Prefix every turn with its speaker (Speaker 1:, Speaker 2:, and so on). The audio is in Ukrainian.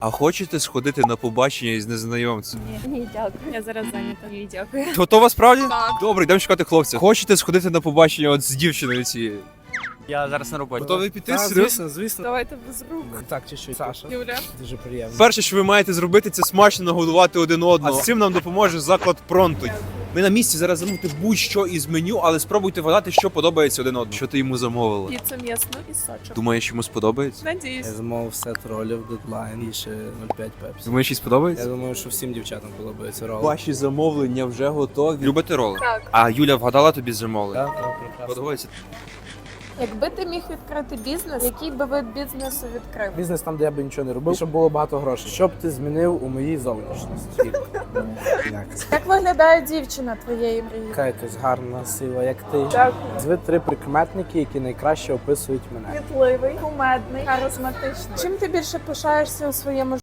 Speaker 1: А хочете сходити на побачення із незнайомцем?
Speaker 2: Ні, дякую. Я зараз зайнята. Ні, дякую.
Speaker 1: Готова справді?
Speaker 2: Так.
Speaker 1: Добре, йдемо шукати хлопця. Хочете сходити на побачення от з дівчиною цією?
Speaker 3: Я зараз на роботі.
Speaker 1: Готові піти?
Speaker 4: Так,
Speaker 1: Серйозно?
Speaker 4: звісно.
Speaker 2: Давайте без рук.
Speaker 4: Так, чуть-чуть. Саша.
Speaker 2: Юля.
Speaker 4: Дуже приємно.
Speaker 1: Перше, що ви маєте зробити, це смачно нагодувати один одного. А з цим нам допоможе заклад Пронто. Ми на місці зараз замовити будь-що із меню, але спробуйте вгадати, що подобається один одному. Що ти йому замовила?
Speaker 2: Піцу м'ясну і сочок.
Speaker 1: Думаєш, йому сподобається?
Speaker 2: Надіюсь.
Speaker 4: Я замовив сет ролів, дедлайн і ще 0,5 пепсі.
Speaker 1: Думаєш, їй
Speaker 4: Я
Speaker 1: сподобається?
Speaker 4: думаю, що всім дівчатам подобається рол.
Speaker 1: Ваші замовлення вже готові. Любите роли?
Speaker 2: Так.
Speaker 1: А Юля вгадала тобі замовлення?
Speaker 4: Так, так, прекрасно.
Speaker 1: Подобається?
Speaker 2: Якби ти міг відкрити бізнес, який би вид бізнесу відкрив?
Speaker 4: Бізнес там, де я би нічого не робив, щоб було багато грошей. Що б ти змінив у моїй зовнішності? Як?
Speaker 2: Як виглядає дівчина твоєї мрії?
Speaker 4: Яка якась гарна, сила, як ти.
Speaker 2: Дякую.
Speaker 4: Назви 3 прикметники, які найкраще описують мене.
Speaker 2: Кмітливий, кумедний, харизматичний. Чим ти більше пишаєшся у своєму